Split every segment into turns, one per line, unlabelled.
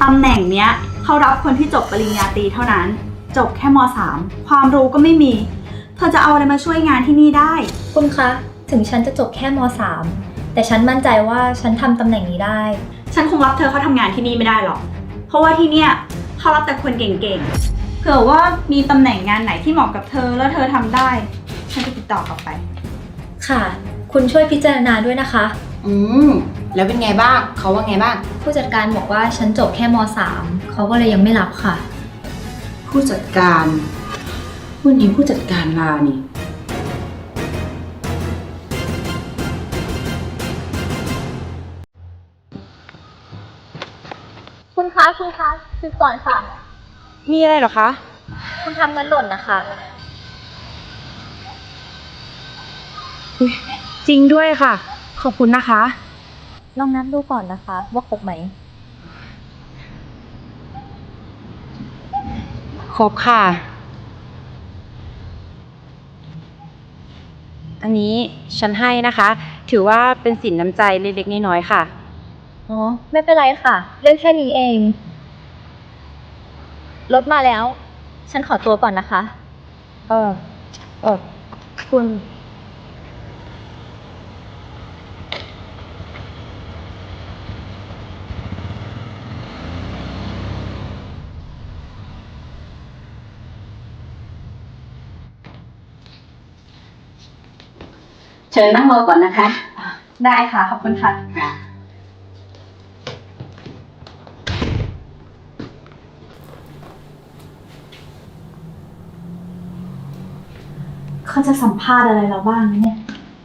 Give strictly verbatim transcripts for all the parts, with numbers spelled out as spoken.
ตำแหน่งเนี้ยเขารับคนที่จบปริญญาตรีเท่านั้นจบแค่ม สาม ความรู้ก็ไม่มีเธอจะเอาอะไรมาช่วยงานที่นี่ได้
คุณคะถึงฉันจะจบแค่ม สาม แต่ฉันมั่นใจว่าฉันทำตำแหน่งนี้ได้
ฉันคงรับเธอเข้าทำงานที่นี่ไม่ได้หรอกเพราะว่าที่เนี่ยเขารับแต่คนเก่งๆเผื่อว่ามีตำแหน่งงานไหนที่เหมาะกับเธอแล้วเธอทำได้ฉันจะติดต่อกลับไป
ค่ะคุณช่วยพิจารณาด้วยนะคะ
อืมแล้วเป็นไงบ้างเขาว่าไงบ้าง
ผู้จัดการบอกว่าฉันจบแค่ม สาม เขาก็เลยยังไม่รับค่ะ
ผู้จัดการวันนี้ผู้จัดการลานี่
คุณคะคุณคะคือก่อนค่ะ
มีอะไรเหรอคะ
คุณทำเงินหล่นนะคะ
จริงด้วยค่ะขอบคุณนะคะ
ลองนับดูก่อนนะคะว่าครบไหม
ครบค่ะอันนี้ฉันให้นะคะถือว่าเป็นสินน้ำใจเล็กๆน้อยๆค่ะ
อ๋อไม่เป็นไรค่ะเรื่องแค่นี้เองรถมาแล้วฉันขอตัวก่อนนะคะ
เออเออคุณเชิญนั่งรอก่อนนะคะ
ได้ค่ะขอบคุณค่ะเขาจะสัมภาษณ์อะไรเราบ้างเนี่ย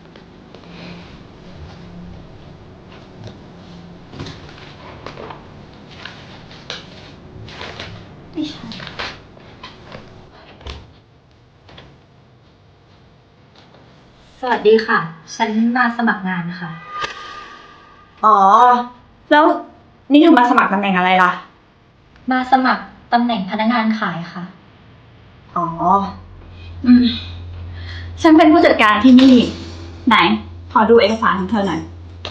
ไม่ใช่
สวัสดีค่ะฉันมาสมัครงานค่ะ
อ๋อแล้วนี่เธอมาสมัครตำแหน่งอะไรล่ะ
มาสมัครตำแหน่งพนักงานขายค่ะ
อ๋ออืมฉันเป็นผู้จัดการที่นี่ไหนขอดูเอกสารของเธอหน่อย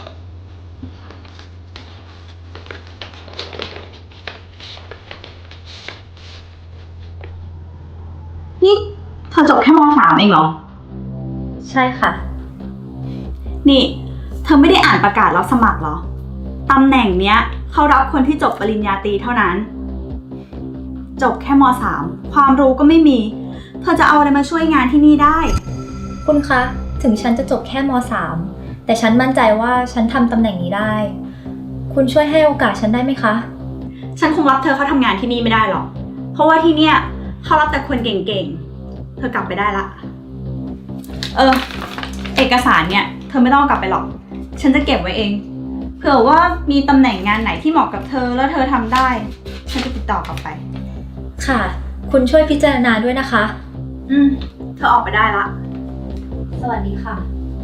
นี่เธอจบแค่ม สาม เองเหรอ
ใช่ค่ะ
นี่เธอไม่ได้อ่านประกาศรับสมัครเหรอตำแหน่งเนี้ยเขารับคนที่จบปริญญาตรีเท่านั้นจบแค่ม สาม ความรู้ก็ไม่มีเธอจะเอาอะไรมาช่วยงานที่นี่ได้
คุณคะถึงฉันจะจบแค่ม สาม แต่ฉันมั่นใจว่าฉันทำตำแหน่งนี้ได้คุณช่วยให้โอกาสฉันได้ไหมคะ
ฉันคงรับเธอเข้าทำงานที่นี่ไม่ได้หรอกเพราะว่าที่เนี่ยเขารับแต่คนเก่งๆเธอกลับไปได้ละเออเอกสารเนี่ยเธอไม่ต้องกลับไปหรอกฉันจะเก็บไว้เองเผื่อว่ามีตำแหน่งงานไหนที่เหมาะกับเธอแล้วเธอทำได้ฉันจะติดต่อกลับไป
ค่ะคุณช่วยพิจารณาด้วยนะคะ
อืมเธอออกไปได้ละ
สวัสดีค่ะ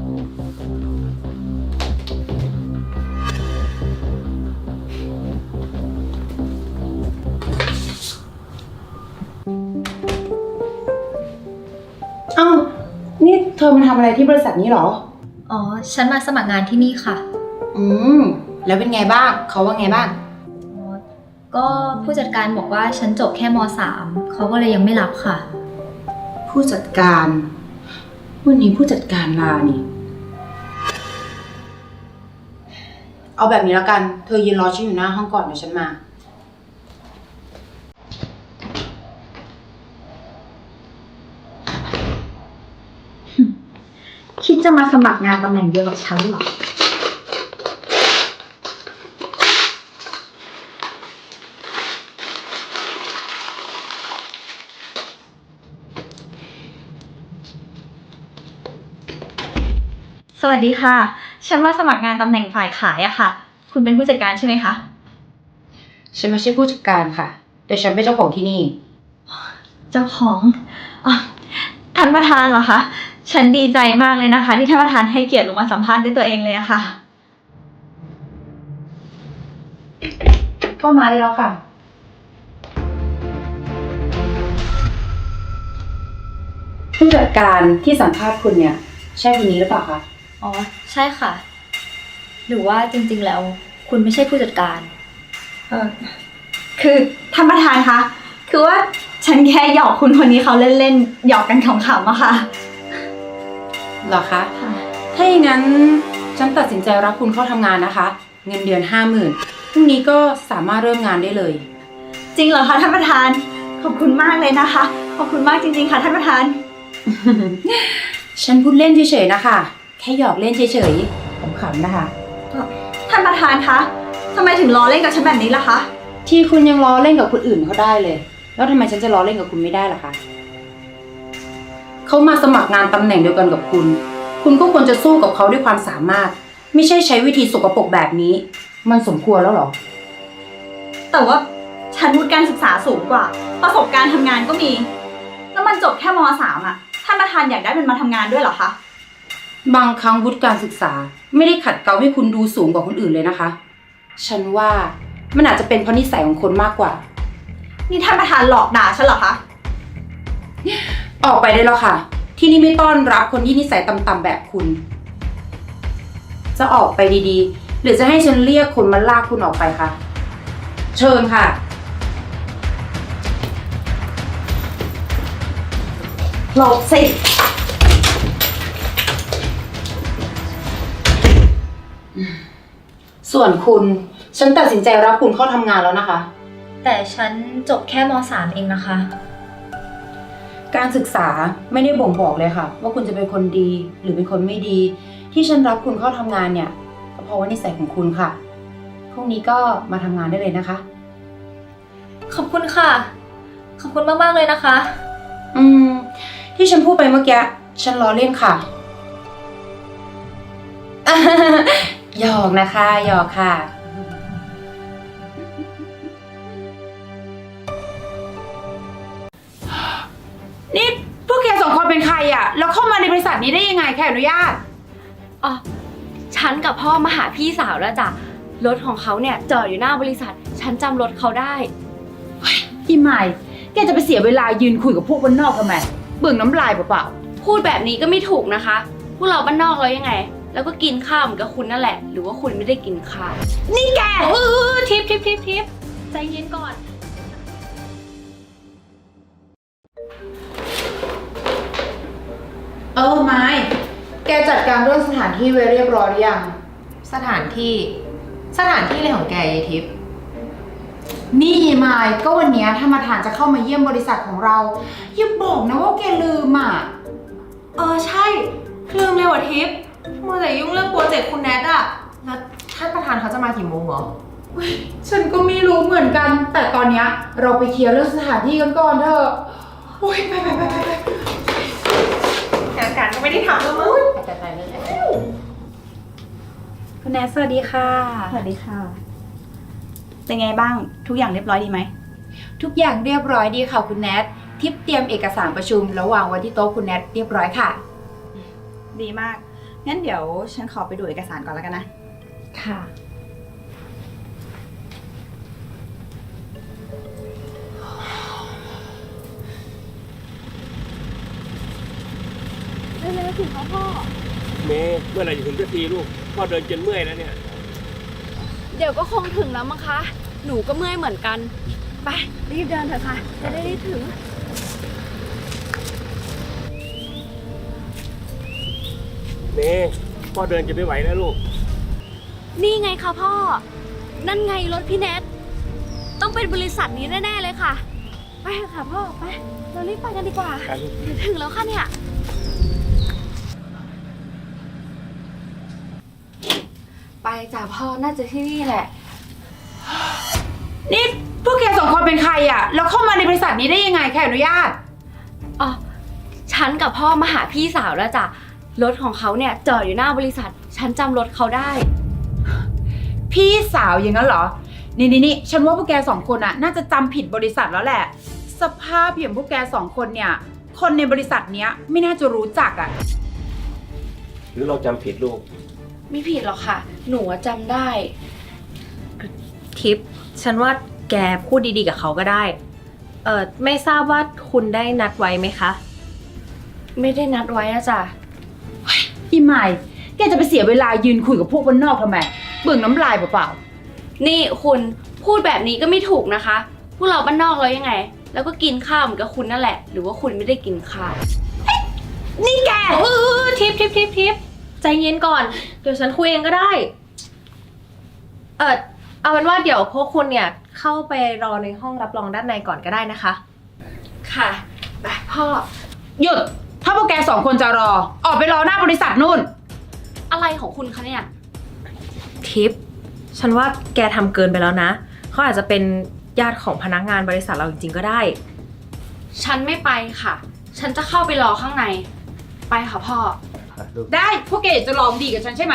อ้าวนี่เธอมาทำอะไรที่บริษัทนี้เหรอ
อ๋อฉันมาสมัครงานที่นี่ค่ะ
อืมแล้วเป็นไงบ้างเขาว่าไงบ้าง
ก็ผู้จัดการบอกว่าฉันจบแค่ม สาม เขาก็เลยยังไม่รับค่ะ
ผู้จัดการวันนี้ผู้จัดการลานี่เอาแบบนี้แล้วกันเธอยืนรอฉันอยู่หน้าห้องก่อนเดี๋ยวฉันมา
คิดจะมาสมัครงานตำแหน่งเดียวกับฉันเหรอสวัสดีค่ะฉันมาสมัครงานตำแหน่งฝ่ายขายอะค่ะคุณเป็นผู้จัดการใช่ไหมคะ
ฉันไม่ใช่ผู้จัดการค่ะแต่ฉันเป็นเจ้าของที่นี่
เจ้าของอ๋อท่านประธานเหรอคะฉันดีใจมากเลยนะคะที่ท่านประธานให้เกียรติลงมาสัมภาษณ์ด้วยตัวเองเลยอะค่ะ
ก็มาได้แล้วค่ะผู้จัดการที่สัมภาษณ์คุณเนี่ยใช่คนนี้หรือเปล่าคะ
อ๋อใช่ค่ะหรือว่าจริงๆแล้วคุณไม่ใช่ผู้จัดการ
เออคือท่านประธานคะ คือว่าฉันแค่หยอกคุณคนนี้เขาเล่นๆ หยอกกันขำๆอะค่ะ
เหรอคะ ถ้าอย่างนั้นฉันตัดสินใจรับคุณเข้าทำงานนะคะ เงินเดือนห้าหมื่นพรุ่งนี้ก็สามารถเริ่มงานได้เลย
จริงเหรอคะท่านประธาน ขอบคุณมากเลยนะคะ ขอบคุณมากจริงๆค่ะท่านประธาน
ฉันพูดเล่นเฉยๆนะคะ แค่หยอกเล่นเฉยๆขำๆนะคะ
ท่านประธานคะทำไมถึงล้อเล่นกับฉันแบบนี้ล่ะคะ
ที่คุณยังล้อเล่นกับคนอื่นเขาได้เลย แล้วทำไมฉันจะล้อเล่นกับคุณไม่ได้ล่ะคะ เขามาสมัครงานตำแหน่งเดียวกันกับคุณ คุณก็ควรจะสู้กับเขาด้วยความสามารถ ไม่ใช่ใช้วิธีสกปรกแบบนี้ มันสมควรแล้วเหรอ
แต่ว่าฉันวุฒิการศึกษาสูงกว่า ประสบการณ์ทำงานก็มี แล้วมันจบแค่ม .สาม อ่ะ ท่านประธานอยากได้มันมาทำงานด้วยเหรอคะ
บางครั้งวุฒิการศึกษาไม่ได้ขัดเกลาให้คุณดูสูงกว่าคนอื่นเลยนะคะ ฉันว่ามันอาจจะเป็นเพราะนิสัยของคนมากกว่า
นี่ท่านประธานหลอกด่าฉันเหรอคะ
ออกไปได้แล้วค่ะ ที่นี่ไม่ต้อนรับคนที่นิสัยต่ำๆแบบคุณ จะออกไปดีๆ หรือจะให้ฉันเรียกคนมาลากคุณออกไปคะเชิญค่ะ
หลบสิ
ส่วนคุณฉันตัดสินใจรับคุณเข้าทำงานแล้วนะคะ
แต่ฉันจบแค่ม สาม เองนะคะ
การศึกษาไม่ได้บ่งบอกเลยค่ะ ว่าคุณจะเป็นคนดีหรือเป็นคนไม่ดี ที่ฉันรับคุณเข้าทำงานเนี่ยก็เพราะว่านิสัยของคุณค่ะพรุ่งนี้ก็มาทำงานได้เลยนะคะ
ขอบคุณค่ะ ขอบคุณมากๆเลยนะคะ
อืม ที่ฉันพูดไปเมื่อกี้ฉันล้อเล่นค่ะ หยอกนะคะหยอกค่ะ นี่พวกแกสองคนเป็นใครอ่ะแล้วเข้ามาในบริษัทนี้ได้ยังไงแค่อนุญาต
อ๋อฉันกับพ่อมาหาพี่สาวแล้วจ้ะ รถของเขาเนี่ยจอดอยู่หน้าบริษัท ฉันจำรถเขาได้
อีใหม่แกจะไปเสียเวลายืนคุยกับพวกบ้านนอกทำไมเบิ่งน้ำลายเปล่า
พูดแบบนี้ก็ไม่ถูกนะคะ พวกเราบ้านนอกเรายังไง แล้วก็กินข้าวเหมือนกับคุณนั่นแหละ หรือว่าคุณไม่ได้กินข้าว
ๆนี่แก
เออทิปทิปทิปทิปใจเย็นก่อน
เออไม้แกจัดการเรื่องสถานที่ไว้เรียบร้อยหรือยัง
สถานที่สถานที่อะไรของแกยายทิพย์
นี่ไม้ก็วันเนี้ยถ้ามาทานจะเข้ามาเยี่ยมบริษัทของเราอย่าบอกนะว่าแกลืมอ่ะ
เออใช่ลืมเลยว่ะทิพย์มัวแต่ยุ่งเรื่องโปรเจกต์คุณแนทอะแล้วท่านประธานเขาจะมากี่โมงเหรอ
ฉันก็ไม่รู้เหมือนกัน แต่ตอนเนี้ยเราไปเคลียร์เรื่องสถานที่กันก่อนเถอะโอ้ยไปไปไปไปไป
งานการก็ไม่ได้ทำแล้วมั้ง
ไปไปเลยคุณแนทสวัสดีค่ะ
สวัสดีค่ะ เป็นไงบ้าง ทุกอย่างเรียบร้อยดีไหม
ทุกอย่างเรียบร้อยดีค่ะคุณแนททิปเตรียมเอกสารประชุมแล้ววางไว้ที่โต๊ะคุณแนทเรียบร้อยค่ะ
ดีมาก งั้นเดี๋ยวฉันขอไปดูเอกสารก่อนแล้วกันนะ
ค่ะ
เมย์เมื่อไหร่จะถึงสักทีลูกพ่อเดินจนเมื่อยแล้วเนี่ย
เดี๋ยวก็คงถึงแล้วมั้งคะ หนูก็เมื่อยเหมือนกัน ไปรีบเดินเถอะค่ะ จะได้รีบถึง
เมย์พ่อเดินจะไม่ไหวแล้วลูก
นี่ไงคะพ่อ นั่นไงรถพี่แนท ต้องเป็นบริษัทนี้แน่ๆเลยค่ะ ไปเถอะค่ะพ่อ ไป เรารีบไปกันดีกว่า
ครับ
เดี๋ยวถึงแล้วค่ะเนี่ย ไปจ้ะพ่อ น่าจะที่นี่แหละ
นี่พวกแกสองคนเป็นใครอ่ะแล้วเข้ามาในบริษัทนี้ได้ยังไงแค่อนุญาต
อ๋อ ฉันกับพ่อมาหาพี่สาวแล้วจ้ะ รถของเขาเนี่ยจอดอยู่หน้าบริษัท ฉันจำรถเขาได้
พี่สาวอย่างนั้นเหรอ นี่นี่นี่ฉันว่าพวกแกสองคนอะน่าจะจำผิดบริษัทแล้วแหละ สภาพอย่างพวกแกสองคนเนี่ย คนในบริษัทเนี้ยไม่น่าจะรู้จักอะ
หรือเราจำผิดลูก
ไม่ผิดหรอกค่ะ หนูอะจำได้
ทิพย์ฉันว่าแกพูดดีๆกับเขาก็ได้ เออไม่ทราบว่าคุณได้นัดไว้ไหมคะ
ไม่ได้นัดไว้อะจ้ะ
อีใหม่แกจะไปเสียเวลายืนคุยกับพวกบ้านนอกทำไมเบิ่งน้ำลายเปล่า
นี่คุณพูดแบบนี้ก็ไม่ถูกนะคะ พวกเราบ้านนอกเรายังไง แล้วก็กินข้าวเหมือนกับคุณนั่นแหละ หรือว่าคุณไม่ได้กินข้าว
นี่แก
เออทิปทิปทิปทิปใจเย็นก่อน เดี๋ยวฉันคุยเองก็ได้ เออเอาเป็นว่าเดี๋ยวพวกคุณเนี่ยเข้าไปรอในห้องรับรองด้านในก่อนก็ได้นะคะ
ค่ะไปพ่อ
หยุด ถ้าพวกแกสองคนจะรอ ออกไปรอหน้าบริษัทนู่น
อะไรของคุณคะเนี่ย
ทิป ฉันว่าแกทำเกินไปแล้วนะ เขาอาจจะเป็นญาติของพนักงานบริษัทเราจริงๆก็ได้
ฉันไม่ไปค่ะ ฉันจะเข้าไปรอข้างใน ไปค่ะพ่อ
ได้ พวกแกอยากจะลองดีกับฉันใช่ไหม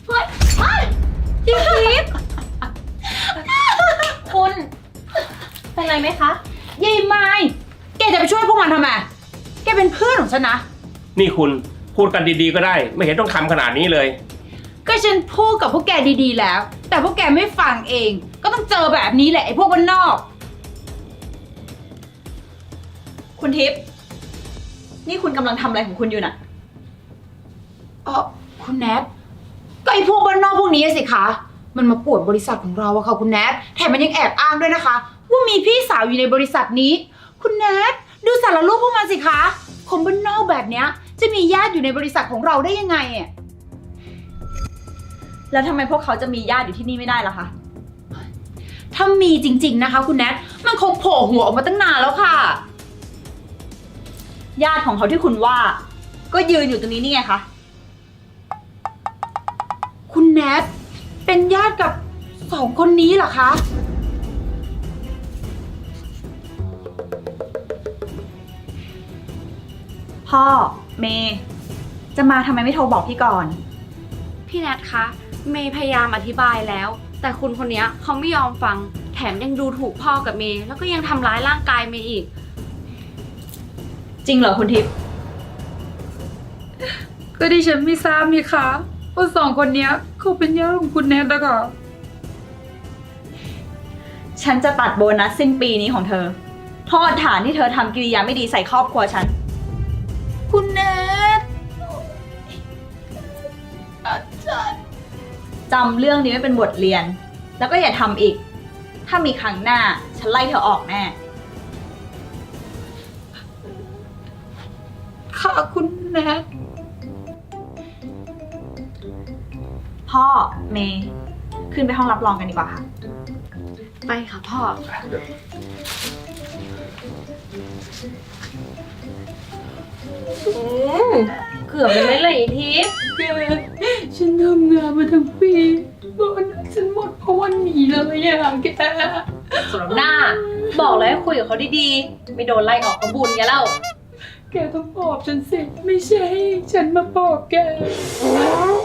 คุณ เป็นไรไหมคะ
ยายไม้แกจะไปช่วยพวกมันทำไม แกเป็นเพื่อนของฉันนะ
นี่คุณพูดกันดีๆก็ได้ ไม่เห็นต้องทำขนาดนี้เลย
ก็ฉันพูดกับพวกแกดีๆแล้ว แต่พวกแกไม่ฟังเอง ก็ต้องเจอแบบนี้แหละไอ้พวกบ้านนอก
คุณทิพย์นี่คุณกำลังทำอะไรของคุณอยู่น่ะ
เออคุณแนทก็ไอ้พวกบ้านนอกพวกนี้สิคะ มันมาป่วนบริษัทของเราอะค่ะคุณแนทแถมมันยังแอบอ้างด้วยนะคะ ว่ามีพี่สาวอยู่ในบริษัทนี้ คุณแนทดูสารรูปพวกมันสิคะคนบ้านนอกแบบเนี้ยจะมีญาติอยู่ในบริษัทของเราได้ยังไงอะ
แล้วทำไมพวกเขาจะมีญาติอยู่ที่นี่ไม่ได้ล่ะคะ
ถ้ามีจริงๆนะคะ คุณแนทมันคงโผล่หัวออกมาตั้งนานแล้วค่ะ
ญาติของเขาที่คุณว่า ก็ยืนอยู่ตรงนี้นี่ไงคะ
คุณแนทเป็นญาติกับสองคนนี้เหรอคะ
พ่อ เมย์จะมาทำไมไม่โทรบอกพี่ก่อน
พี่แนทคะ เมย์พยายามอธิบายแล้ว แต่คุณคนนี้เขาไม่ยอมฟัง แถมยังดูถูกพ่อกับเมย์แล้วก็ยังทำร้ายร่างกายเมย์อีก
จริงเหรอคุณทิพย์
ก็ดิฉันไม่ทราบนี่คะว่าสองคนเนี้ยเขาเป็นญาติของคุณแนทนะคะ
ฉันจะตัดโบนัสสิ้นปีนี้ของเธอโทษฐานที่เธอทำกิริยาไม่ดีใส่ครอบครัวฉัน
คุณแนท
จำเรื่องนี้ไว้เป็นบทเรียน แล้วก็อย่าทำอีก ถ้ามีครั้งหน้า ฉันไล่เธอออกแน่
ค่ะคุณแนท
พ่อ เมย์ขึ้นไปห้องรับรองกันดีกว่าค่ะ
ไปค่ะพ่อ
อืมเกือบเลยไหมเลยทิป
แกฉันทำงานมาทั้งปีโบนัสฉันหมดเพราะวันนี้เลยอะแก
สำหรับหน้า บอกเลยให้คุยกับเขาดีๆ ไม่โดนไล่ออกกระบุญแกแล้ว
แกต้องปลอบฉันสิ ไม่ใช่ ฉันมาปลอบแก